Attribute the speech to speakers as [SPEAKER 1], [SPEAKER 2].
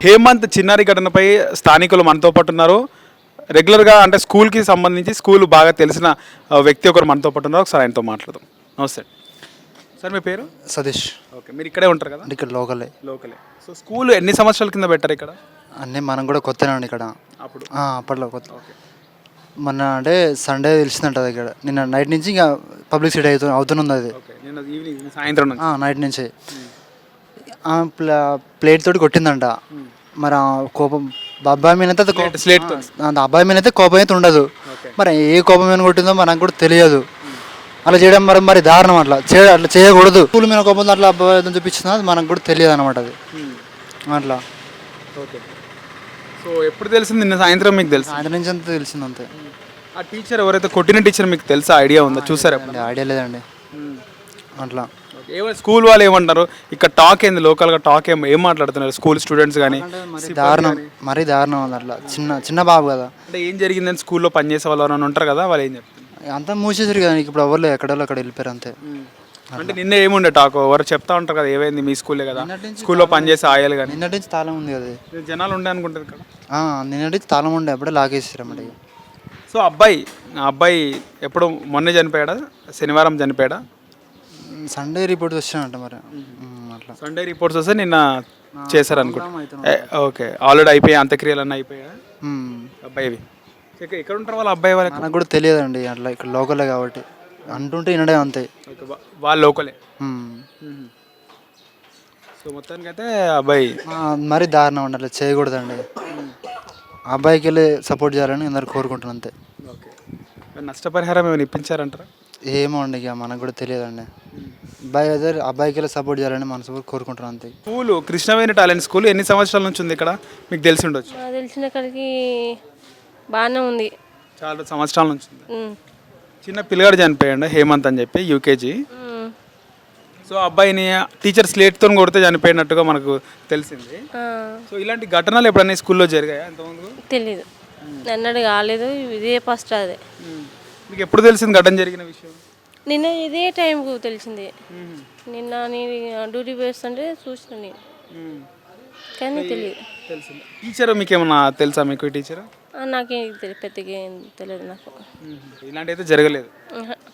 [SPEAKER 1] హేమంత్ చిన్నారి ఘటనపై స్థానికులు మనతో పాటు ఉన్నారు. రెగ్యులర్గా అంటే స్కూల్కి సంబంధించి స్కూల్ బాగా తెలిసిన వ్యక్తి ఒకరు మనతో పాటు ఉన్నారు. ఒకసారి ఆయనతో మాట్లాడదాం. నమస్తే సార్, మీ పేరు?
[SPEAKER 2] సతీష్.
[SPEAKER 1] ఓకే, మీరు ఇక్కడే ఉంటారు కదా?
[SPEAKER 2] ఇక్కడ లోకలే.
[SPEAKER 1] లోకలే. సో స్కూల్ ఎన్ని సంవత్సరాల కింద పెట్టారు ఇక్కడ?
[SPEAKER 2] అన్నీ మనం కూడా కొత్తనే ఇక్కడ.
[SPEAKER 1] అప్పుడు
[SPEAKER 2] అప్పట్లో కొత్త.
[SPEAKER 1] ఓకే.
[SPEAKER 2] మొన్న అంటే సండే తెలిసిందంట అది ఇక్కడ. నిన్న నైట్ నుంచి ఇంకా పబ్లిసిటీ అవుతుంది అది.
[SPEAKER 1] ఓకే, నిన్న ఈవినింగ్ సాయంత్రం నుంచి.
[SPEAKER 2] నైట్ నుంచి ప్లేట్ తోటి కొట్టిందంట. మరి ఆ కోపం అబ్బాయి మీద అయితే
[SPEAKER 1] స్లేట్ తో.
[SPEAKER 2] అబ్బాయి మీద అయితే కోపం అయితే ఉండదు.
[SPEAKER 1] ఓకే.
[SPEAKER 2] మరి ఏ కోపం మీద కొట్టిందో మనకు కూడా తెలియదు. అలా చేయడం మరి దారుణం. అట్లా చేయకూడదు. స్కూల్ మీద కోపం అట్లా అబ్బాయి చూపించిందో అది మనకు కూడా తెలియదు అనమాట. అది అట్లా.
[SPEAKER 1] ఓకే. సో ఎప్పుడు తెలిసింది? నిన్న సాయంత్రం మీకు తెలుసు?
[SPEAKER 2] సాయంత్రం నుంచి అంతా తెలిసింది అంతే.
[SPEAKER 1] ఆ టీచర్ ఎవరైతే కొట్టిన టీచర్ మీకు తెలుసా? ఐడియా ఉందా? చూసారా?
[SPEAKER 2] ఐడియా లేదండి అట్లా.
[SPEAKER 1] స్కూల్ వాళ్ళు ఏమంటారు? ఇక్కడ టాక్ ఏంది? లోకల్గా టాక్ ఏం మాట్లాడుతున్నారు స్కూల్ స్టూడెంట్స్ కానీ?
[SPEAKER 2] మరీ దారుణం ఉంది. అట్లా చిన్న బాబు కదా.
[SPEAKER 1] అంటే ఏం జరిగిందని స్కూల్లో పనిచేసే వాళ్ళు ఎవరైనా ఉంటారు కదా, వాళ్ళు ఏం చెప్తారు?
[SPEAKER 2] అంతా మూసేసారు కదా. ఇప్పుడు ఎవరు ఎక్కడో అక్కడ వెళ్ళిపోయారు అంతే.
[SPEAKER 1] అంటే నిన్న ఏముండే టాక్? ఎవరు చెప్తా ఉంటారు కదా, ఏమైంది మీ స్కూలే కదా, స్కూల్లో పనిచేసే ఆయాలు కానీ.
[SPEAKER 2] నిన్నటి నుంచి తాళం ఉంది కదా.
[SPEAKER 1] జనాలు ఉండే అనుకుంటారు కదా.
[SPEAKER 2] నిన్నటి నుంచి తాళం ఉండే, అప్పుడే లాగేసారు అన్నమాట.
[SPEAKER 1] సో అబ్బాయి ఎప్పుడు మొన్నే చనిపోయాడా? శనివారం చనిపోయాడా?
[SPEAKER 2] సండే రిపోర్ట్ వచ్చానంట మరి. అట్లా
[SPEAKER 1] సండే రిపోర్ట్స్ వస్తే నిన్న చేశారు అనుకుంటా. ఓకే, ఆల్రెడీ అయిపోయాయి అంత్యక్రియలు అన్నీ అయిపోయా అబ్బాయివి? ఎక్కడ ఉంటారు వాళ్ళ అబ్బాయి? వాళ్ళకి
[SPEAKER 2] నాకు కూడా తెలియదండి. అట్లా ఇక్కడ లోకలే కాబట్టి అంటుంటే వినడే అంతే.
[SPEAKER 1] వాళ్ళు లోకలే. సో మొత్తానికి అయితే అబ్బాయి
[SPEAKER 2] మరీ దారుణం అండి. అట్లా చేయకూడదండి. అబ్బాయికి వెళ్ళి సపోర్ట్ చేయాలని అందరు కోరుకుంటున్నాను అంతే.
[SPEAKER 1] ఓకే. నష్టపరిహారం ఏమైనా ఇప్పించారంటారా?
[SPEAKER 2] ఏమో అండి, ఇక మనకు కూడా తెలియదండి. అబ్బాయికి వెళ్ళి సపోర్ట్ చేయాలని మనసు కోరుకుంటున్నాను అంతే.
[SPEAKER 1] స్కూల్ కృష్ణవేణి టాలెంట్ స్కూల్ ఎన్ని సంవత్సరాల నుంచి ఉంది ఇక్కడ? మీకు తెలిసి ఉండొచ్చు.
[SPEAKER 3] తెలిసిన కాడికి బాగానే ఉంది.
[SPEAKER 1] చాలా సంవత్సరాల నుంచి ఉంది. చిన్న పిల్లగాడు చనిపోయాడు, హేమంత్ అని చెప్పి, యూకేజీ. సో అబ్బాయిని టీచర్ స్లేట్తో కొడితే చనిపోయినట్టుగా మనకు తెలిసింది. సో ఇలాంటి ఘటనలు ఎప్పుడైనా స్కూల్లో జరిగాయా ఇంతకుముందు?
[SPEAKER 3] తెలీదు, అన్నది కాలేదు. ఇదే ఫస్ట్. అదే
[SPEAKER 1] మీకు ఎప్పుడు తెలిసింది ఘటన జరిగిన విషయం?
[SPEAKER 3] నిన్న ఇదే టైంకు తెలిసింది. నిన్న నేను డ్యూటీ వేస్తుంటే చూసిన నేను, కానీ తెలియదు.
[SPEAKER 1] తెలిసింది. టీచర్ మీకు ఏమన్నా తెలుసా? మీకు టీచర్?
[SPEAKER 3] నాకేం తెలియదు, పెద్దగా ఏం తెలియదు నాకు.
[SPEAKER 1] ఇలాంటి అయితే జరగలేదు.